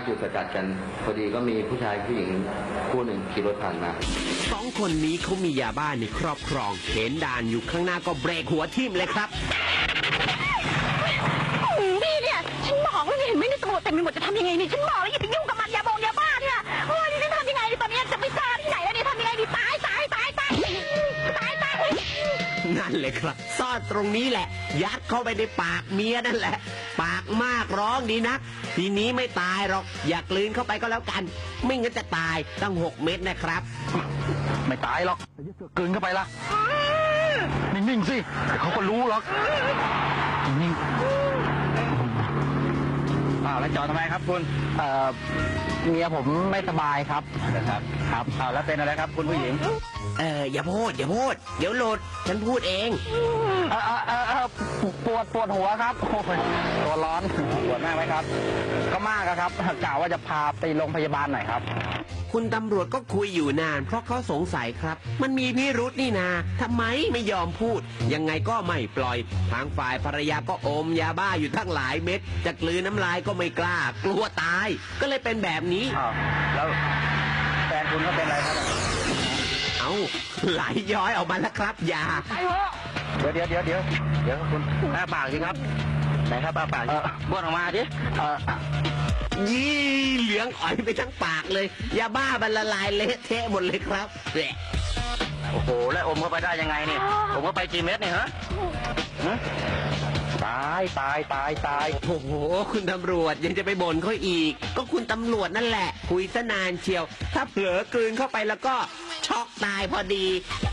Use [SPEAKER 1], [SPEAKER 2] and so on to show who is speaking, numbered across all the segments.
[SPEAKER 1] จุดสกัดกันพอดีก็มีผู้ชายผู้หญิงคู่หนึ่งขี่รถผ่านมา
[SPEAKER 2] 2 คนนี้เขามียาบ้าในครอบครองเห็นด่านอยู่ข้างหน้าก็เบรกหัวทิ่มเลยครับ
[SPEAKER 3] พี่เนี่ยฉันบอกแล้วเห็นไหมในตำรวจเต็มไปหมดจะทำยังไงนี่ฉันบอกแล้วอย่าไปยุ่งกับมันยาบ้าเนี่ยโอ้ยนี่ทำยังไงตอนนี้จะไปซ่าที่ไหนแล้วเนี่ยทำยังไงดีตาย
[SPEAKER 2] นั่นเลยครับซ่อนตรงนี้แหละยัดเข้าไปในปากเมียนั่นแหละปากมากร้องดีนักทีนี้ไม่ตายหรอกอย่ากลืนเข้าไปก็แล้วกันไม่งั้นจะตายตั้ง6 เม็ดนะครับ
[SPEAKER 4] ไม่ตายหรอกกลืนเข้าไปละนิ่งๆสิเขาก็รู้หรอกนิ่งแล้วจอดทำไมครับคุณเมียผมไม่สบายครับครับแล้วเป็นอะไรครับคุณผู้หญิง
[SPEAKER 2] อย่าพูดเดี๋ยวโหลดฉันพูดเอง
[SPEAKER 4] ปวดหัวครับตัวร้อนปวดมากไหมครับก็มากครับกล่าวว่าจะพาไปโรงพยาบาลหน่อยครับ
[SPEAKER 2] คุณตำรวจก็คุยอยู่นานเพราะเขาสงสัยครับมันมีพิรุธนี่นาทำไมไม่ยอมพูดยังไงก็ไม่ปล่อยทางฝ่ายภรรยาก็อมยาบ้าอยู่ทั้งหลายเม็ดจะกลืนน้ำลายก็ไม่กล้ากลัวตายก็เลยเป็นแบบนี้
[SPEAKER 4] แล้วแฟนคุณก็เป็นอะไรครับ
[SPEAKER 2] ไหลย้อยออกมาแล้วครับยา
[SPEAKER 4] เดี๋ยวคุณอ้าปากสิครับไหนครับอ้าปากบ้วนออกมาดิ
[SPEAKER 2] ยี่เหลืองอ่อยไปทั้งปากเลยยาบ้ามันละลายเละเทะหมดเลยครับ
[SPEAKER 4] โอ้โหแล้วอมเข้าไปได้ยังไงเนี่ยอมเข้าไปกี่เม็ดเนี่ยฮะตาย
[SPEAKER 2] โอ้โหคุณตำรวจยังจะไปบ่นเขาอีกก็คุณตำรวจนั่นแหละคุยซะนานเชียวถ้าเผลอกลืนเข้าไปแล้วก็ช็อกตายพอดี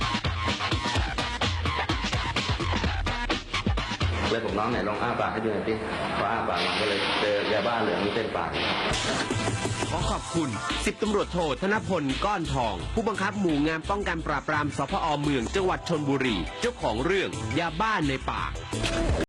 [SPEAKER 1] เลยผมน้องไหนลองอ้าปากให้ดูหน่อยสิพออ้าปากมันก็เลยเจอยาบ้าเหลืองเต็มปาก
[SPEAKER 2] ขอขอบคุณ10 ตำรวจโทธนพลก้อนทองผู้บังคับหมู่งานป้องกันปราบปรามสพ.เมืองจังหวัดชลบุรีเจ้าของเรื่องยาบ้าในปาก